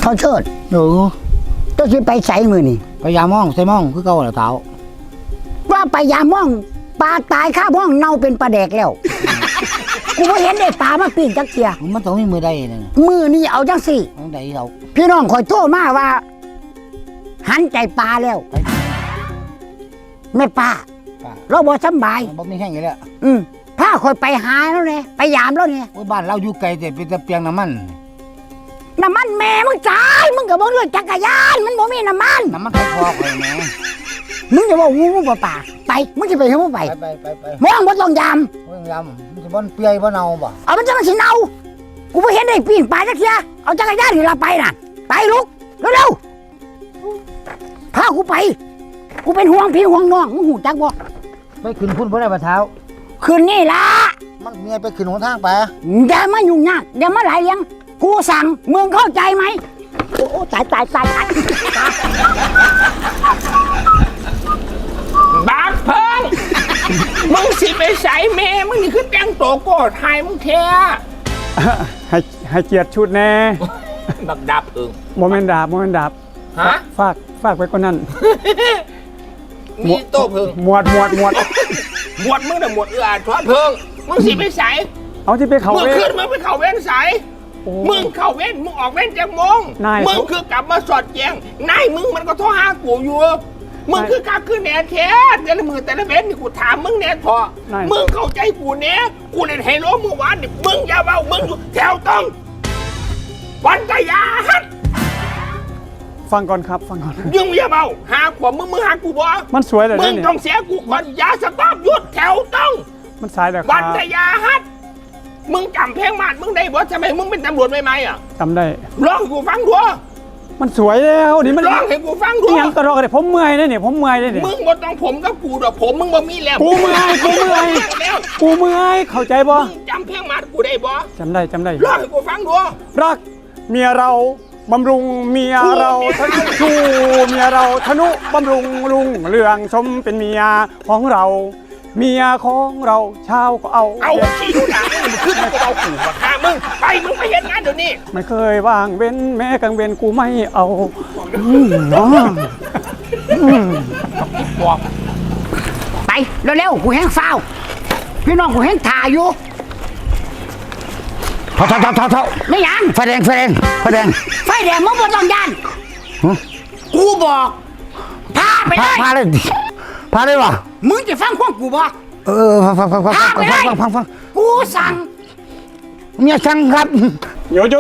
เขาเชิดหนูตัวสิไปใส่มือนี่พยายามมองใส่มองคือเก่าแล้วเท้าว่าไปยามม่องปลาตายข้าม่องเน่าเป็นปลาแดกแล้ว กูไม่เห็นได้ปลามาปิ้งจักเทียมันต้องมีมือได้นั่นมือนี่เอาจังสิต้องได้เราพี่น้องคอยโทษมาว่า หันใจปลาแล้วแม่ป้าเราบ่สำบายบ่มีแห้งอยู่แล้วพาคอยไปหาแล้วเนี่ยไปยามแล้วเนี่ยบ้านเราอยู่ไกลแต่เป็นแต่เปียงน้ำมันน้ำมันแม่มึงจ่ายมึงก็บอกเรื่องจักรยานมันบ่มีน้ำมันน้ำมันใครพอใครแม่มึงจะบอกงูป่าไปมึงจะไปเห็นมึงไปไปมองบ่ต้องยามเรื่องยำมันจะบ่เปียบ่เน่าบ่เอามันจะมาสิเนากูไม่เห็นได้ปีนป่ายจักเทียเอาจักรยานนี่ละไปน่ะไปลุกเร็วๆพากูไปกูเป็นห่วงพี่ห่วงน้องมึงหูจักบ่ไปขึ้นพุ่นบ่ได้บ่เท้าคืนนี้ล่ะมันเมียไปขึ้นหนทางไปอย่ามายุ่งยากอย่ามาหลายเลี้ยงกูสั่งมึงเข้าใจไหมโอ้ตายบาดเพิ่ง มึงสิไปใส่เมมึงนี่คือแต่งตัวโกดไทยมึงเท่ให้เกียรติชุดแน่บักดับเอิงโมเมนต์ดาบฮะฝากไว้ก่อนนั่นมีโต้เพิ่งหมวดหมวดมึงน่ะหมวดเอื้ออาทรเพิ่งมึงสิไปใส่เอาที่ไปเขามึงเว้ขึ้นมึงไปเข่าเว้นใส่โอ้มึงเข่าเว้นมึงออกเว้นจากโมงนายมึงคือกลับมาสอดแจงนายมึงมันก็โทรหากูอยู่มึงคือการขึ้นแหน่แท้แต่ละมือแต่ละเว้นนี่กูถามมึงแหน่พอมึงเข้าใจกูแหน่กูเล่นไฮโลเมื่อวานนี่มึงอย่าเบามึงอยู่แถวต้องวันกยาฮัดฟังก่อนครับฟังก่อนยังอย่าเบาหาขวบมึงหากูบ่มันสวยเลยมึงเนี่ยต้องเสียกูก่อนอย่าสต๊อปหยุดแถวต้องมันสายเลยควัรันบกยาฮัดมึงจำเพลงมาดมึงได้บ่ทำไมมึงเป็นตำรวจใหม่ๆอ่ะจำได้ร้องให้กูฟังด้วยมันสวยแล้วนี่มันร้องให้กูฟังด้นี่วยยังตลอดเลยผมเมื่อยเลยเนี่ยผมเมื่อยเลยเนี่ยมึงบ่ต้องผมกับกูดอกผมมึงบ่มีแล้วกูเมื่อยแล้วกูเมื่อยเข้าใจบ่มึงจำเพลงมาดกูได้บ่จำได้ร้องให้กูฟังด้วยรักเมียเราบำรุงเมียเราชูเมียเราทนุบำรุงลุงเรืองสมเป็นเมียของเรา เมียของเราชาวก็เอาขี้ดูหนังมึงขึ้นมากูเอาขู่มาฆ่ามึงไปมึงไปเห็นงานเดี๋ยวนี้ไม่เคยว่างเว้นแม้กลางเว้นกูไม่เอาไปเร็วๆกูแห้งเฝ้าพี่น้องกูแห้งถ่ายอยู่เท่าไม่ยังไฟแดงไฟแดงมึงบ่ต้องยันกูบอกพาไปเลยพาเลยวะมึงจะฟังความกูบ่ฟังกูสั่งเมียสั่งครับหยุด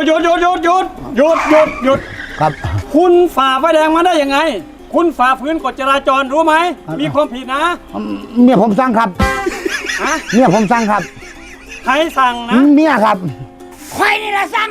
ครับคุณฝ่าไฟแดงมาได้ยังไง คุณฝ่าฝืนกฎจราจรรู้ไหมมีความผิดนะเมียผมสั่งครับฮะเมียผมสั่งครับใครสั่งนะเมียครับใครนี่ละสั่ง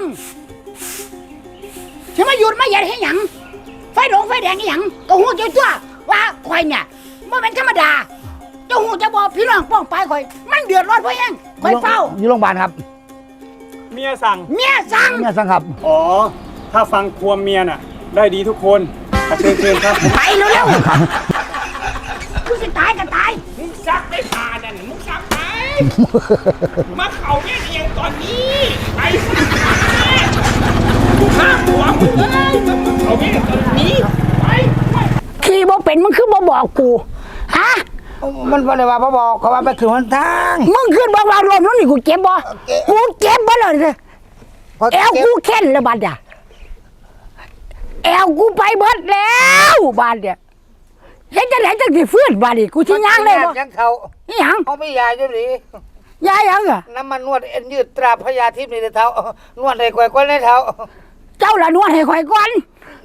จะมาหยุดมาเหยียดให้หยังไฟแดงให้หยังก็หูเจ้าตัวว่าใครเนี่ยมันเป็นธรรมดาเจ้าหูจะบอกพี่น้องป้องไปคอยมันเดือดร้อนเพราะหยังคอยเฝ้าอยู่โรงพยาบาลครับเมียสั่งเมียสั่งเมียสั่งครับอ๋อถ้าฟังความเมียน่ะได้ดีทุกคนเชิญครับไปเร็วๆกูจะตายก็ตายมึงซักได้ตานั่นมึงซักไปมาเข่าแม่เอียงตอนนี้ไปซักมากูฆ่าหัวมึงเลยมึงเข่าแม่ตอนนี้ไปขี่บ่เป็นมึงคือบ่บอกกูฮะมันบ่ได้ว่าบ่บอกเขาว่าไปขึ้นหนทางมึงขึ้นบอกว่ารถนู้นนี่กูเจ็บบ่กูเจ็บบ่เลยแอวกูเข็นแล้วบัดอ่ะแอวกูไปเบิดแล้วบัดเนี่ยเห็นจะไหนจังสิฟื้นบัดนี่กูสิย่างเลยบ่ยังเขาอีหยังเขาไม่ยาอยู่นี่ยายยังอ่ะน้ำมันนวดเอ็นยืดตราพยาทิพย์นี่เท้านวดให้ก่อยก้นในเท้าเจ้าละนวดให้ข่อยก่อน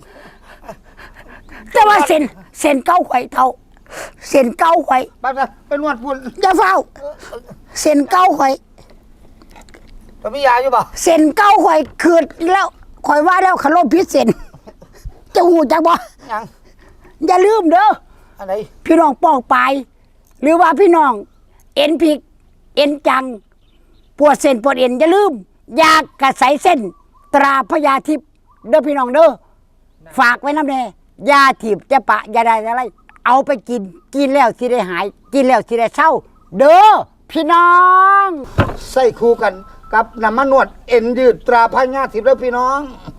แต่ว่าเส้นเก้าข่อยเท่าเส้นเก้าข่อยไปนวดพุ่นอย่าเฝ้าเส้นเก้าข่อยเขาไม่ยาอยู่บ่เส้นเก้าข่อยคืดแล้วข่อยว่าแล้วขลมพิษเส้นจะหูจักบ่ยังอย่าลืมเด้ออะไรพี่น้องป้องไปหรือว่าพี่น้องเอ็นพริกเอ็นจังปวดเส้นปวดเอ็นอย่าลืมยากระใสเส้นตราพญาทิพย์เด้อพี่น้องเด้อฝากไว้น้ำแน่ยาถีบจะปะยาใดอะไรเอาไปกินแล้วสิได้หายกินแล้วสิได้เศร้าเด้อพี่น้องใส่คู่กันกับน้ำมันนวดเอ็นยืดตราพยาทิพย์แล้วพี่น้อง